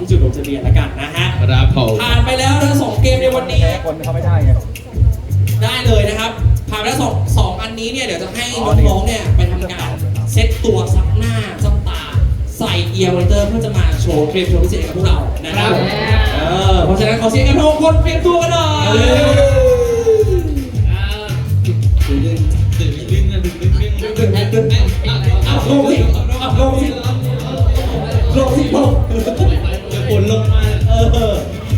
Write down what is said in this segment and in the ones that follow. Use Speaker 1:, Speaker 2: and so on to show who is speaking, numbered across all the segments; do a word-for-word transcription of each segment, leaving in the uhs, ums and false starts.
Speaker 1: ที่จุดลงทะเบียนแล้วกันนะฮะ
Speaker 2: ครับผม
Speaker 1: ผ่านไปแล้วทั้งสองเกมในวันนี้
Speaker 3: คนเขาไม่ได้ไง
Speaker 1: ได้เลยนะครับผ่านไปแล้วสองสองอันนี้เนี่ยเดี๋ยวจะให้น้องๆเนี่ยไปทำการเซ็ตตัวซับหน้าซับตาใส่เอียร์มอนิเตอร์เพื่อจะมาโชว์เกมโชว์พิเศษกับพวกเรานะครับเออเพราะฉะนั้นขอเสียงกันทุกคนเตรียมตัวกันหน่อย
Speaker 2: ดึงดึงดึงดึงดึงดึงดึงดึงดึง
Speaker 1: อ่ะลงสิอ่ะลงสิลงสิลง
Speaker 2: จะฝนลงมา
Speaker 1: เออ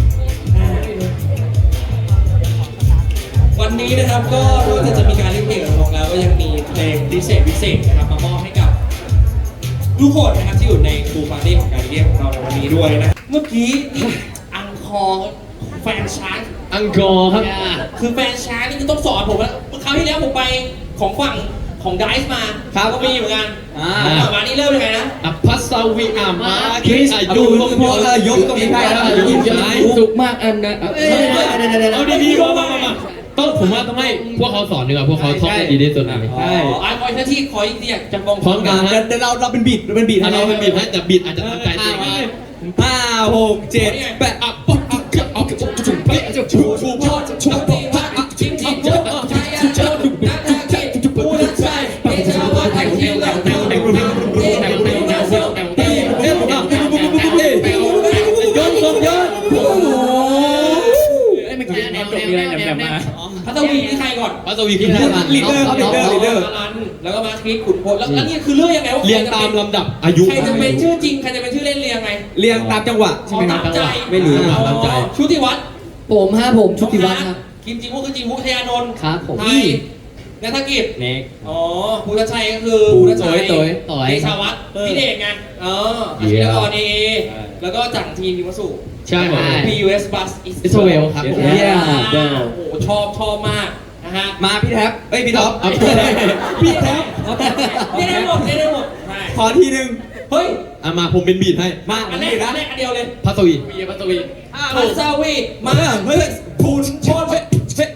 Speaker 1: วันนี้นะครับก็นอกจากจะมีการเล่นเพลงของเราแล้วก็ยังมีเพลงพิเศษพิเศษนะครับมามอบให้กับทุกคนนะครับที่อยู่ในบูฟาร์ตี้ของการเรียกของเราในวันนี้ด้วยนะเมื่อกี้นี่อังคอร์แฟนชาร์จ
Speaker 2: อังกอร์ครับ
Speaker 1: คือแฟนชาร์จนี่ต้องสอนผมแล้วคราวที่แล้วผมไปของฝั่งของไดซ์มาก็มีเหมือนกันของมานี่เริ่มยังไงนะ
Speaker 2: อภัสวีอามาคริสอายุตรงพอยกตรงนี้ได้แล้วยกย้าย
Speaker 4: สุกมากอันนะ
Speaker 2: เอาดีๆมามามาต้องผมว่าต้องให้พวกเขาสอนดีกว่าพวกเขาท่องได้ดีที่สุด
Speaker 1: ใช่ไอ้คอยหน้าที่คอยที่อยากจะมอง
Speaker 2: พร้อมกัน
Speaker 3: เดี๋ยวเราเราเป็นบีดเราเป็นบีด
Speaker 2: เราเป็นบีดให้แต่บีดอาจจะทำใจเอง
Speaker 3: ห้าหกเจ็ดแปดอ่ะปุ๊บอ่ะเอาจุ๊บจุ๊บจุ๊บจุ๊บจุ๊บจุ๊บจุ๊บจุ๊บจุ๊บ
Speaker 1: จิ้มจิ้มจุ๊บใช่จุ๊บจุ๊บนักนักกินปูนักใช่เอชาวันแท็กทีมแล้วแต่แต่แต่แต่แต่
Speaker 3: เอ๊ะผมอ่ะเอ๊ะย้อนย้อนย้อนโอ้โห
Speaker 4: ไอ้เมื่อกี้แนวจบมีอะไรแหลมๆมา
Speaker 1: พัทวีนี่ใครก่อน
Speaker 2: พัทวีคือ
Speaker 3: ลีดเดอร์ลีดเดอร์ลีดเดอร์
Speaker 1: แล้วก็มาคริสขุนพลแล้วนี่คือเรื่องยังไงว่า
Speaker 2: เรียงตามลำดับอายุ
Speaker 1: ใครจะเป็นชื่อจริงใครจะเป็นชื่อเล่นเรียงไง
Speaker 3: เรียงตามจังหวะใช่ไหมครับ
Speaker 1: ไม่รู้ตามใจชุติวัฒน์
Speaker 4: ผมฮะผมชุติวัฒน์ครับ
Speaker 1: กิมจิมุคือจิมุทยานนท์
Speaker 4: ครับผม
Speaker 1: ไทยนัฐกิจ
Speaker 4: เน็ก
Speaker 1: อ๋อภูทัชชัยก็คือภูทัชชัย
Speaker 4: ต่อยต่อย
Speaker 1: เดชาวัฒน์พี่เอกไงเอออาชีพกรเอแล้วก็จากทีมพิมพ์สุ
Speaker 2: ใช่ผม
Speaker 1: พี ยู เอส Bus
Speaker 4: อิสราเอลครับผม
Speaker 1: โอ้โหชอบชอบมากนะฮะ
Speaker 3: มาพี่แท็บเอ้ยพี่ท็อป
Speaker 1: พี่แท็บนี่ได้หมดนี่ได้หมด
Speaker 3: ขอทีนึง
Speaker 1: เฮ้ย
Speaker 2: อ่ะมาผมเป็นบีดให้
Speaker 1: มาอันแรกอันแรกอันเดียวเลย
Speaker 2: พัทวี
Speaker 4: พัทวี
Speaker 1: พัทวีมา
Speaker 3: เฮ้ยพูนชนเ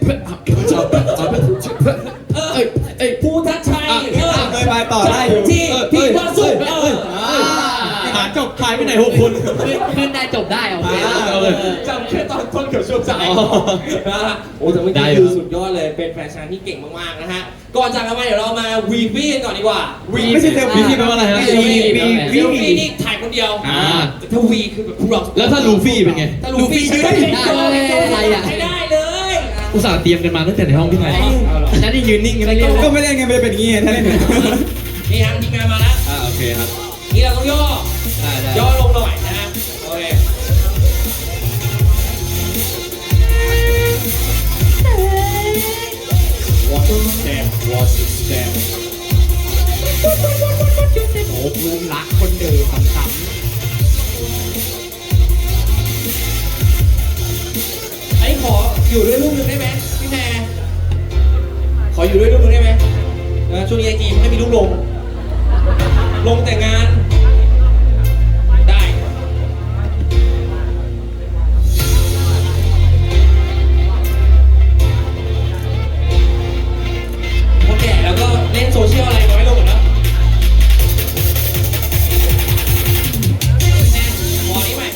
Speaker 1: เออเอ้ยภูทัชชัย
Speaker 3: เออเคยไปต่อได้อยู่
Speaker 1: ที่ที่วัดสุดเออ
Speaker 2: หาจบขายไปไหนหกคน
Speaker 4: ขึ้นได้จบได้โอเค
Speaker 1: จำแค่ตอนต้นกับช่วงสายนะฮะโอ้แต่เมื่อกี้คือสุดยอดเลยเป็นแฟชั่นที่เก่งมากๆนะฮะก่อนจากกันไปเดี๋ยวเรามาวีวีกันก่อนดีกว่า
Speaker 3: วีไม่ใช่เซลฟี่แปลว่าอะไรฮะ
Speaker 1: วีวีวีวีนี่ถ่ายคนเดียวถ้าวีคือแบบพวกเรา
Speaker 2: แล้วถ้าลูฟี่เป็นไง
Speaker 1: ถ้าลูฟี่ยืนได้อะไรอ่ะไม่ได้เลย
Speaker 2: อุตส่าห์เตรียมกันมาตั้งแต่ในห้องพี่ไง
Speaker 4: ฉันที่ยืนนิ่งกันเลย
Speaker 3: ก็ไม่ได้ไงไม่ได้เป็นอย่างงี้ถ้าเล่น
Speaker 1: นี่ฮะทีมงานมาแล้ว
Speaker 2: อ่าโอเคครับ
Speaker 1: นี่เราต้องย่อย่อลงหน่อยนะฮะโอเคWatch it step Watch it step
Speaker 4: โอ้ลุงรักคนเดิมซ้ำ
Speaker 1: ไอ้ขออยู่ด้วยรูปหนึ่งได้ไหมพี่แพรขออยู่ด้วยรูปหนึ่งได้ไหมช่วงนี้ไอจีไม่มีรูปลงลงแต่งานได้พอแก่แล้วก็เล่นโซเชียลอะไรน้อยลงแล้ววอนี้ใหม่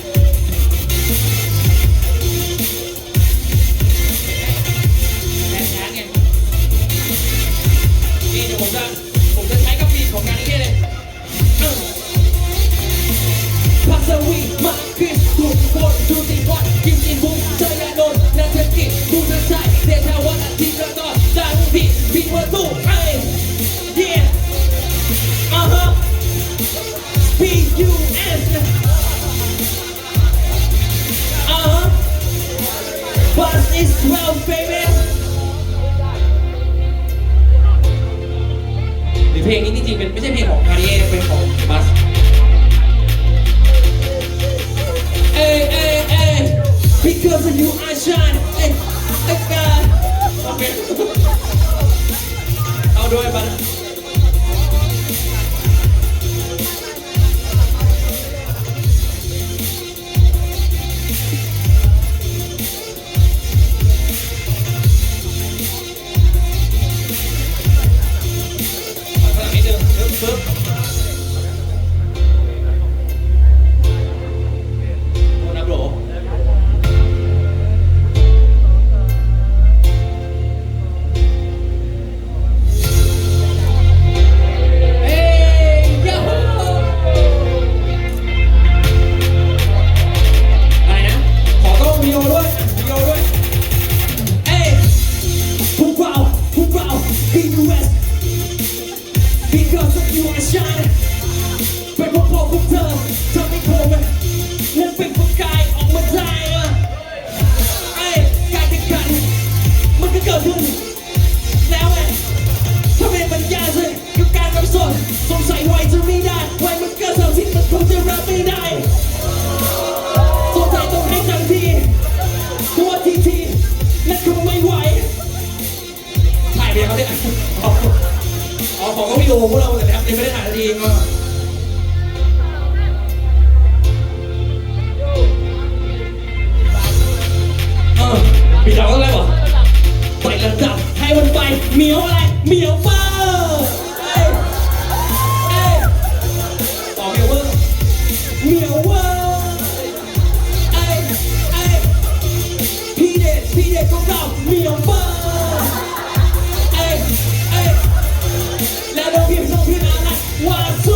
Speaker 1: แชร์แชร์ไงนี่เดี๋ยวผมจะผมจะใช้กับบีทของการนี้เลยพัสวีมาขึ้นทุกคนดูสิวัดกิมจิบุ้งเจยานนท์นัทกิจบูชาชัยเดชาวัฒน์ทีมกระต่ายดังพี่พี่วัตุไอ้ yeah uh huh P U S uh huh Bus is twelve baby เพลงนี้จริงๆเป็นไม่ใช่เพลงของคาริเอเป็นของบัสเอ้เอ้เอ้ because of you I shine เอ้ไอ้กาโอเคเอาด้วยบัสปึ๊บขึ้นแล้วไงถ้าเป็นปัญญาสึกกับการรับสดสงสัยไว้จะไม่ได้ไว้มันก็เท่าที่มันคงจะรับไม่ได้สงสัยต้องให้จังทีตัวทีทีนั่นคงไม่ไหวถ่ายไปเขาเนี่ยอ๋อของก็วิดีโอพวกเราแต่ยังไม่ได้ถ่ายนาทีก็มีเราอะไรบ่ไประดับให้มันไปเหมียวอะไรเหมียวเฟอร์เอ้ยเอ้ยต่อเหมียวเวอร์เหมียวเวอร์เอ้ยเอ้ยพี่เด็ดพี่เด็ดของเราเหมียวเฟอร์เอ้ยเอ้ยแล้วเราพี่ส่งพี่อะไรวาซู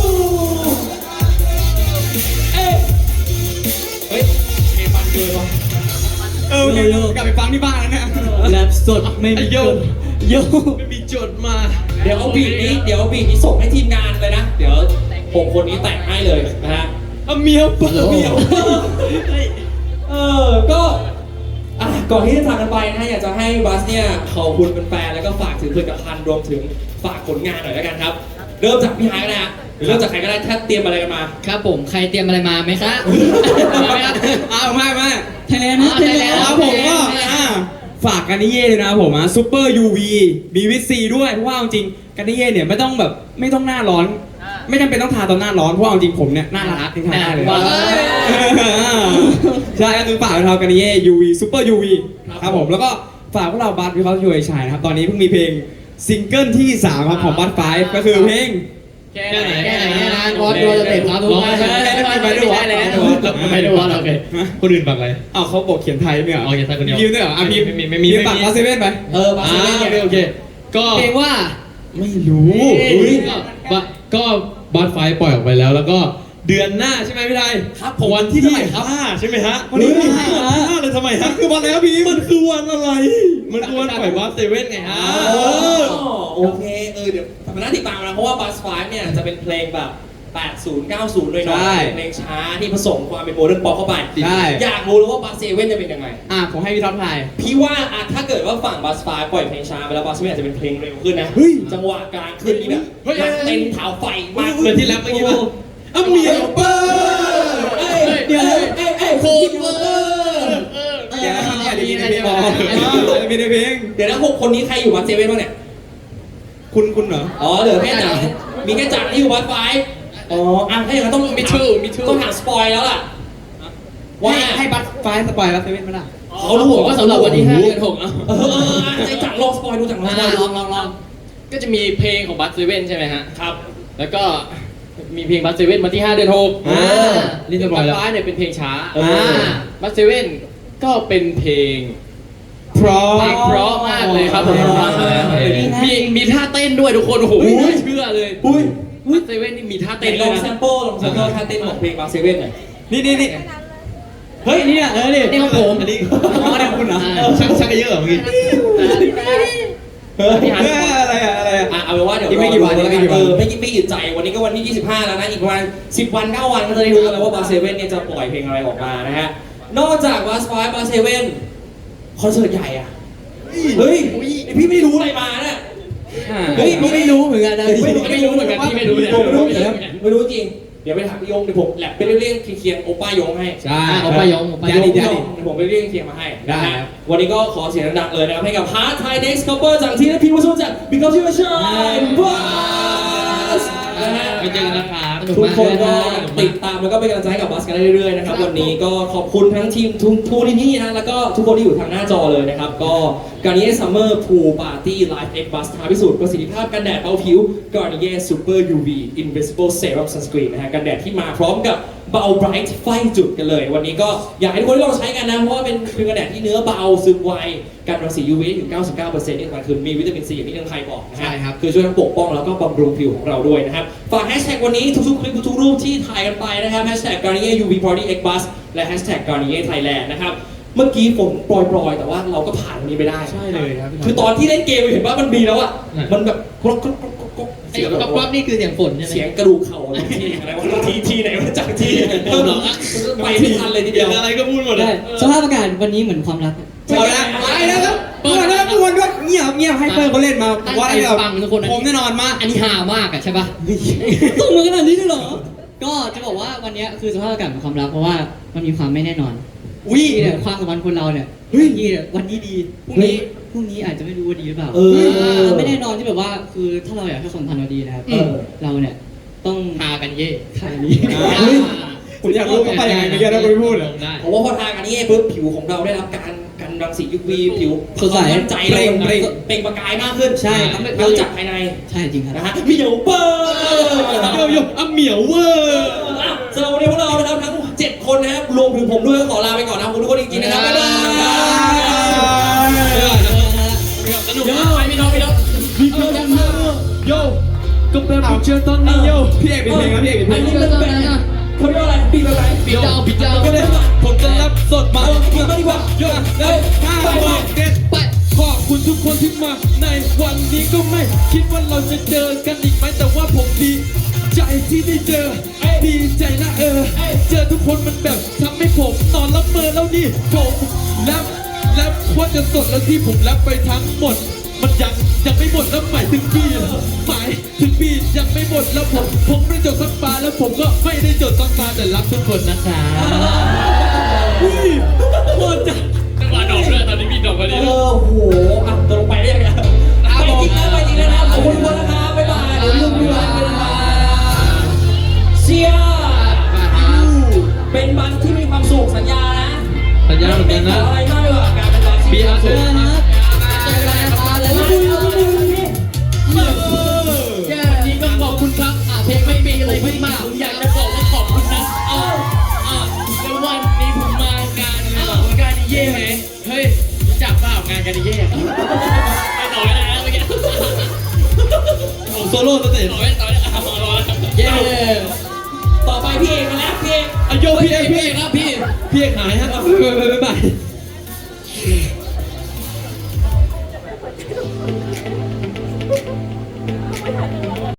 Speaker 1: เอ้ยเฮ้ยเพลงมันเกินว่ะ
Speaker 3: เออกลับไปฟังที่บ้านแล้วเนี่ย
Speaker 4: แรปสดไม่มี
Speaker 2: โย
Speaker 4: โย
Speaker 2: ไม่มีจดมา
Speaker 1: เดี๋ยวเอาบีทนี้เดี๋ยวเอาบีทนี้ส่งให้ทีมงานเลยนะเดี๋ยวผมคนนี้แต่งให้เลยนะฮะ
Speaker 2: เอาเมียเปิด
Speaker 1: เมียวเออก็อ่ะก่อนที่จะจากกันไปนะฮะอยากจะให้บัสเนี่ยขอบคุณแฟนๆแล้วก็ฝากถึงผลิตภัณฑ์รวมถึงฝากผลงานหน่อยแล้วกันครับเริ่มจากพี่ไฮก็ได้ฮะหรือเริ่มจากใครก็ได้ถ้าเตรียมอะไรกันมา
Speaker 4: ครับผมใครเตรียมอะไรมาไหมครับมาไหมครับ
Speaker 3: เอาไม่ไม่
Speaker 4: ไทยแลนด์นะไทยแลนด์
Speaker 3: ครับผมก็อ่าฝากกันนิเย่เลยนะครับผมอ่ะซูเปอร์ยูวีมีวิตซีด้วยเพราะว่าจริงๆกันนิเย่เนี่ยไม่ต้องแบบไม่ต้องหน้าร้อน ไม่จำเป็นต้องทาตอนหน้าร้อนเพราะว่าจริงๆผมเนี่ยหน้ารักที่ทาได้เลยใช่ก็คือฝากเรากันนิเย่ยูวีซูเปอร์ยูวีครับผมแล้วก็ฝากพวกเราบัสวิเคราะห์ยูไอชายนะครับตอนนี้เพิ่งมีเพลงซิงเกิลที่สามครับของบัสไฟฟ์ก็คือเพลง
Speaker 4: แค่ไหนแค่ไหนเนี่ยนะวอดดูจะเต็มครับทุกคนไม่ได้แล้ว
Speaker 2: ไม่ได้ว่าโอเคคนอื่นบักอะไร
Speaker 3: อ้าวเขาบอกเขียนไทยไม่เหรอ
Speaker 2: อ๋อเขียนไทยคนเดียว
Speaker 3: พิมพ์ด้วยเหรออ่ะพิมพ์
Speaker 2: ไม่มีไม่มี
Speaker 3: พิมพ์ปากบัสเซเว่นไป
Speaker 1: เออบัส
Speaker 2: อ่า
Speaker 1: เล่น
Speaker 2: โอ
Speaker 1: เนี่ย
Speaker 2: เคโอเคก็
Speaker 4: เพลงว่า
Speaker 2: ไม่รู้อุ้ยก็ก็บัสไฟปล่อยออกไปแล้ว แล้วก็เดือนหน้าใช่ไหมพี่ไทย
Speaker 1: ครับผม
Speaker 2: วันที่เท่าไหร่ครับห้าใช่ไหมฮะวันนี้วันที่ห้าห้าเลยทำไมฮะคือวันอะไรครับพี่มันคือวันอะไร มันคือวันปล่อยบัสเซเว่นไงฮะ
Speaker 1: อ๋อโอเคเออเดี๋ยวทำหน้าติดตามนะเพราะว่าบัสไฟเนี่ยจะเป็นเพลงแบบแปดสิบ เก้าสิบเลยเนาะเพลงช้าที่ผสมความเป็นโมเดิร์นป๊อปเข้าไป
Speaker 3: ใช่
Speaker 1: อยากรู้แล้วว่าบัสเซเว่นจะเป็นยังไง
Speaker 3: อ่ะผมให้พี่ท็อปไทย
Speaker 1: พี่ว่าอะถ้าเกิดว่าฝั่งบัสไฟปล่อยเพลงช้าไปแล้วบัสเซเว่นอาจจะเป็นเพลงเร็วขึ้นนะ
Speaker 3: เฮ้ย
Speaker 1: จังหวะกลางขึ้นนี่แบบนักเต้นเท้าไฟมาก
Speaker 2: เหมือนที่แรปเมื่อกี้ป่ะ
Speaker 1: อ่ะเมียเปอร์เอ้ยเดี๋ยวเอ้ยเอ้ยโคตรเปอร์
Speaker 3: เดี๋ยวนะครับเนี่ยเดี๋ยวมีในเพลงมีในเพลง
Speaker 1: เดี๋ยวนะหกคนนี้ใครอยู่บัสเซเว่นบ้างเนี่ย
Speaker 3: คุณคุณเหรอ
Speaker 1: อ๋อเหลือแค่จังมีแค่จังที่อยู่บัสไฟอ๋ออ่ะถ้าอย่างนั้นต้องมีชื่อมีชื่อต้องหาสปอยแล้วล่ะว่า
Speaker 3: ให้ให้บัตไฟสปอยแล้วเซเว่นมาละ
Speaker 1: เขารู้
Speaker 4: ผมว่าสำหรับวันที่ห้าเดือนหกเนาะ
Speaker 1: เออเออไอ้จังลองสปอยดูจังลองสปอย
Speaker 4: ลองลองลองก็จะมีเพลงของบัสเซเว่นใช่ไหมฮะ
Speaker 1: ครับ
Speaker 4: แล้วก็มีเพลงบัสเซเว่นมาที่ห้าเดือนหก
Speaker 3: อ่า
Speaker 2: นี่จะปล่อยแล้ว
Speaker 4: บัสไฟเนี่ยเป็นเพลงช้า
Speaker 3: อ่า
Speaker 4: บัสเซเว่นก็เป็นเพลง
Speaker 3: เพราะ
Speaker 4: เพลงเพราะมากเลยครับผม
Speaker 2: ฟังมาแล้ว
Speaker 4: มีมีท่าเต้นด้วยทุกคนโอ้โหไม่น่าเชื่อเลย
Speaker 1: อุ้ย
Speaker 4: บัสเซเว่นนี่มีท่า
Speaker 1: เต้
Speaker 4: เต้
Speaker 1: น
Speaker 4: น
Speaker 1: ล
Speaker 4: ด้วย
Speaker 1: อง
Speaker 4: นะ
Speaker 1: แซมเปิลลองแซมเปิลท่าเต้นของเพลงบัสเซเว่นหน่อย
Speaker 3: นี่นี่นี่
Speaker 4: เฮ้ยนี่อ่ะเออนี่นี่ของผม
Speaker 2: อันนี้
Speaker 3: อ๋อเนี่ยคุณเหรอ
Speaker 2: ชักชักเยอะเหรอเมื่อกี้
Speaker 1: เฮ้ย
Speaker 3: เฮ้ยอะไรอะอะไรอะ
Speaker 1: อ่ะเอาเป็นว่าเดี๋ยว
Speaker 3: อีกไม่กี่วัน
Speaker 1: รอดู
Speaker 3: อีกไม่กี่วัน
Speaker 1: เออไม่กี่ไม่กี่ใจวันนี้ก็วันที่ยี่สิบห้าแล้วนะอีกประมาณสิบวันเก้าวันก็จะได้รู้กันแล้วว่าบัสเซเว่นเนี่ยจะปล่อยเพลงอะไรออกมานะฮะนอกจากบัสไฟบัสเซเว่นคอนเสิร์ตใหญ่อะเฮ้ยไอ้พี่ไม่รู้อะไรมาเนี่ย
Speaker 4: เฮ้ยพี่ไม่รู้เหมือนกันนะไม่รู้ไม่รู้เหมือนกันพี่ไม่รู้เนี่ย
Speaker 1: ผมไม่รู้จริงไม่รู้จริงเดี๋ยวไปถามพี่ยงเดี๋ยวผมแลบไปเรียกเคียงๆโอป้ายงให้
Speaker 3: ใช่
Speaker 4: เอาไปยองเอาไป
Speaker 3: ยาย
Speaker 4: อง
Speaker 3: ดิ
Speaker 1: เดี๋
Speaker 3: ยา
Speaker 1: ยว
Speaker 3: ดิ
Speaker 1: ผมไปเรียกเคียงมาให้
Speaker 3: ได้
Speaker 1: นะฮะวันนี้ก็ขอเสียงดังๆเลยนะครับให้กับ Hard Thai Next Couple จากทีมและพี่ผู้ชมจาก Because You Are Shine Bus นะฮะ
Speaker 2: ไปเจอกันนะครับ
Speaker 1: ทุกคนก็ติดตามแล้วก็เป็นกำลังใจให้กับบัสกันได้เรื่อยๆนะครับวันนี้ก็ขอบคุณทั้งทีมทุกทุกที่นี่นะแล้วก็ทุกคนที่อยู่ทางหน้าจอเลยนะครับก็การนี้ซัมเมอร์พูลปาร์ตี้ไลฟ์เอ็กบัสท้าพิสูจน์ประสิทธิภาพกันแดดเบาผิว Garnier Super ยู วี Invisible Serum Sunscreen นะฮะกันแดดที่มาพร้อมกับเบาไบรท์ไฟจุดกันเลย วันนี้ก็อยากให้ทุกคนได้ลองใช้กันนะเพราะว่าเป็นครีมกันแดดที่เนื้อเบาซึมไวกันรังสี ยู วี ถึง เก้าสิบเก้าเปอร์เซ็นต์ ที่สำคัญคือมีวิตามินซีอย่างที่ทางไทยบอกนะฮะ
Speaker 3: ใช่ครับ
Speaker 1: คือช่วยทั้งปกป้องแล้วก็บำรุงผิวของเราด้วยนะครับ ฝากแฮชแท็กวันนี้ทุกๆคลิปทุกๆรูปที่ถ่ายกันไปนะครับแฮชแท็ก Garnier ยู วี Body X Bus และแฮชแท็ก Garnier Thailand นะครับ เมื่อกี้ฝนโปรยๆ แต่ว่าเราก็ผ่านวันนี้ไปได้
Speaker 3: ใช่เลยครับพี่
Speaker 1: คือตอนที่เล่นเกมเห็นว่ามันมีแล้วอ่ะ มันแบบกรอกกรอกกรอกกรอก
Speaker 4: เสียงก๊อบๆนี่คือเสียงฝนใช่ไหม
Speaker 1: เสียงกระดูกเข่าอะไรที่อะไรวะทีทีไหนมาจากที่เพิ่มหรอไปไม่ทันเลยทีเดียว
Speaker 2: อะไรก็พูดหมดเลย
Speaker 5: สภาพอากาศวันนี้เหมือนความรัก
Speaker 3: เอาละไปแล้วครับเปิดแล้วปวนด้วยเงียบงียบๆให้เปิ้ลเขาเล่นมาผมว่า
Speaker 4: ตั้งใจ
Speaker 3: เรา
Speaker 4: ฟังทุกคน
Speaker 3: ผมแน่นอนมาก
Speaker 4: อันนี้หามากอะใช่ปะ
Speaker 5: ส่งมาขนาดนี้เลยเหรอ ก็จะบอกว่าวันเนี้ยคือสภาพอากาศของความรักเพราะว่ามันมีความไม่แน่นอน
Speaker 3: อุ้ย
Speaker 5: ที่เนี่ยความสัมพันธ์คนเราเนี่ย
Speaker 3: เฮ้ย
Speaker 5: ที่เนี่ยวันนี้ดีพรุ่งนี้พรุ่งนี้อาจจะไม่รู้ว่าดีหรือเปล่า
Speaker 1: เออ
Speaker 5: มันไม่แน่นอนที่แบบว่าคือถ้าเราอยากให้ความสัมพันธ์เราดีนะครับ
Speaker 1: เออ
Speaker 5: เราเนี่ยต้อง
Speaker 4: หากันเย่
Speaker 5: ทายนี้
Speaker 3: เฮ้ย ผมอยากรู้เขาไปยังไงเมื่อกี้นะคุณไม่พูดเหรอ
Speaker 4: ได้
Speaker 1: เพราะว่าพอทากันนี่ปุ๊บผิวของเราได้รับการกันรังสี ยู วี ผิว
Speaker 5: สดใส
Speaker 1: มั่นใจ
Speaker 3: เปล่ง
Speaker 1: เป
Speaker 3: เปล่
Speaker 1: ล่ง
Speaker 3: ง
Speaker 1: เปล่งประกายมากขึ้น
Speaker 5: ใช่ครับ
Speaker 1: เราจากภายใน
Speaker 5: ใช่จริงครับ
Speaker 1: นะฮะเหมียวเปิ้ล
Speaker 2: โยโย่อ่ะเหมียวเวอร์
Speaker 1: อ่ะสำหรับวันนี้พวกเรานะครับทั้งเจ็ดคนนะครับรวมถึงผมด้วยขอลาไปก่อนนะขอบคุณทุกคนจริงๆนะครับบ๊ายบาย
Speaker 4: สนุกมากไปพี่น้องพี่น้อง
Speaker 2: โยก็แบบไปเจอตอนนี้โย
Speaker 3: พี่เอกเป็นเพลงครับพี่เอกเป็นเพล
Speaker 1: อัน
Speaker 3: ง
Speaker 1: นี้มันเป็นเขาเรียกว่าอะไรปีอะไร
Speaker 4: ปิดเจ้าปิดเจ้า
Speaker 2: ก็เลยผมจะรับสดมา
Speaker 1: เออกินมาดีกว่า
Speaker 2: โยเลยห้าบอกเด็ด
Speaker 4: ไป
Speaker 2: ขอบคุณทุกคนที่มาในวันนี้ก็ไม่คิดว่าเราจะเจอกันอีกไหมแต่ว่าผมดีใจที่ได้เจอดีใจนะเออ เจอทุกคนมันแบบทำให้ผมนอนรับเมอแล้วนี่ผมแรปแรปว่าจะสดแล้วที่ผมแรปไปทั้งหมด มันยังยังไม่หมดแล้วหมายถึงปีหมายถึงปียังไม่หมดแล้วผมผมไม่ได้จดสักปาแล้วผมก็ไม่ได้จดสักปาแต่รักทุกคนนะคะอุ้ยโคตรจัง
Speaker 4: จังหวะดอกเลยตอนนี้มีดอกพอ
Speaker 1: เอ
Speaker 4: ดี
Speaker 1: อโหอ่ะตกลงไปได้ยังไงไปจริงนะไปจริงนะขอบคุณทุกคนนะครับบ๊ายบายเดี๋ยวลืมดูวันไปนะครับเชียร์เป็นวันที่มีความสุขสัญญานะ
Speaker 2: สัญญาเหมือนกันนะ
Speaker 1: ไม่ขออะไรมากเลยการเป็นวันที่
Speaker 2: มีความสุข
Speaker 4: วันนี้ก็ขอบคุณครับอ่ะเพลงไม่มีอะไรไม่มากผมอยากจะบอกว่าขอบคุณนะเอาอ่ะแล้ววันนี้ผมมางานงานงานเย่ไหมเฮ้ยรู้จักเปล่างานกันเย่ไปต่อไม่ได้แล้วเมื่อกี้
Speaker 2: โซโล่สเตจ
Speaker 4: ต่อไม่ต่อไม่เอาเอาเอา
Speaker 1: เย้ต่อไปพี่เอกมาแล้วพี่เอก
Speaker 2: อ่ะโยพี่เอกพี่
Speaker 4: พี่
Speaker 2: เอก
Speaker 4: ครับพี่
Speaker 2: พี่เอกหายฮะบ๊ายบายบ๊ายบาย